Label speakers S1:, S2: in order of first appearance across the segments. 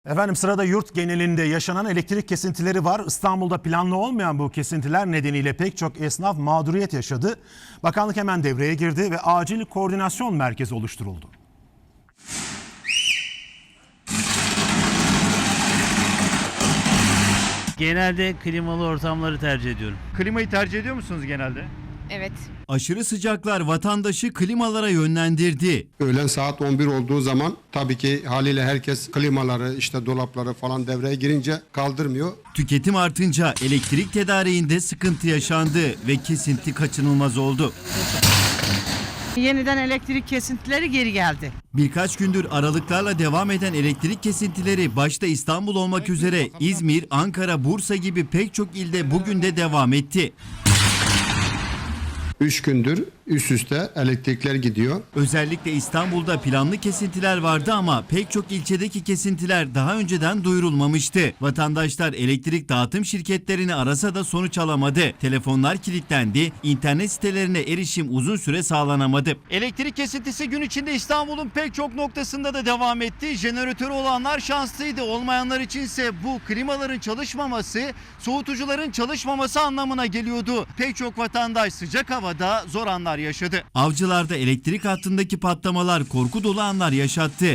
S1: Efendim sırada yurt genelinde yaşanan elektrik kesintileri var. İstanbul'da planlı olmayan bu kesintiler nedeniyle pek çok esnaf mağduriyet yaşadı. Bakanlık hemen devreye girdi ve acil koordinasyon merkezi oluşturuldu.
S2: Genelde klimalı ortamları tercih ediyorum.
S3: Klimayı tercih ediyor musunuz genelde?
S4: Evet.
S5: Aşırı sıcaklar vatandaşı klimalara yönlendirdi.
S6: Öğlen saat 11 olduğu zaman tabii ki haliyle herkes klimaları işte dolapları falan devreye girince kaldırmıyor.
S5: Tüketim artınca elektrik tedariğinde sıkıntı yaşandı ve kesinti kaçınılmaz oldu.
S7: Yeniden elektrik kesintileri geri geldi.
S5: Birkaç gündür aralıklarla devam eden elektrik kesintileri başta İstanbul olmak üzere İzmir, Ankara, Bursa gibi pek çok ilde bugün de devam etti.
S6: 3 gündür üst üste elektrikler gidiyor.
S5: Özellikle İstanbul'da planlı kesintiler vardı ama pek çok ilçedeki kesintiler daha önceden duyurulmamıştı. Vatandaşlar elektrik dağıtım şirketlerini arasa da sonuç alamadı. Telefonlar kilitlendi, internet sitelerine erişim uzun süre sağlanamadı.
S3: Elektrik kesintisi gün içinde İstanbul'un pek çok noktasında da devam etti. Jeneratörü olanlar şanslıydı. Olmayanlar içinse bu klimaların çalışmaması, soğutucuların çalışmaması anlamına geliyordu. Pek çok vatandaş sıcak havada zor anlar yaşadı.
S5: Avcılar'da elektrik hattındaki patlamalar korku dolu anlar yaşattı.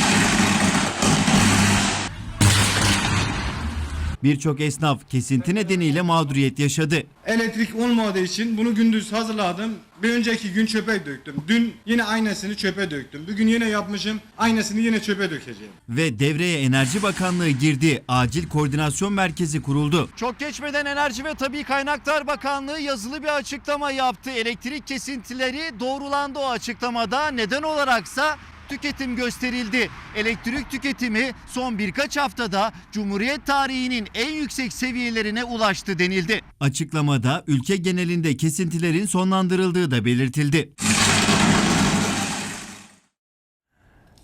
S5: Birçok esnaf kesinti nedeniyle mağduriyet yaşadı.
S8: Elektrik olmadığı için bunu gündüz hazırladım. Bir önceki gün çöpe döktüm. Dün yine aynısını çöpe döktüm. Bugün yine yapmışım. Aynısını yine çöpe dökeceğim.
S5: Ve devreye Enerji Bakanlığı girdi. Acil koordinasyon merkezi kuruldu.
S3: Çok geçmeden Enerji ve Tabii Kaynaklar Bakanlığı yazılı bir açıklama yaptı. Elektrik kesintileri doğrulandı o açıklamada. Neden olaraksa tüketim gösterildi. Elektrik tüketimi son birkaç haftada Cumhuriyet tarihinin en yüksek seviyelerine ulaştı denildi.
S5: Açıklamada ülke genelinde kesintilerin sonlandırıldığı da belirtildi.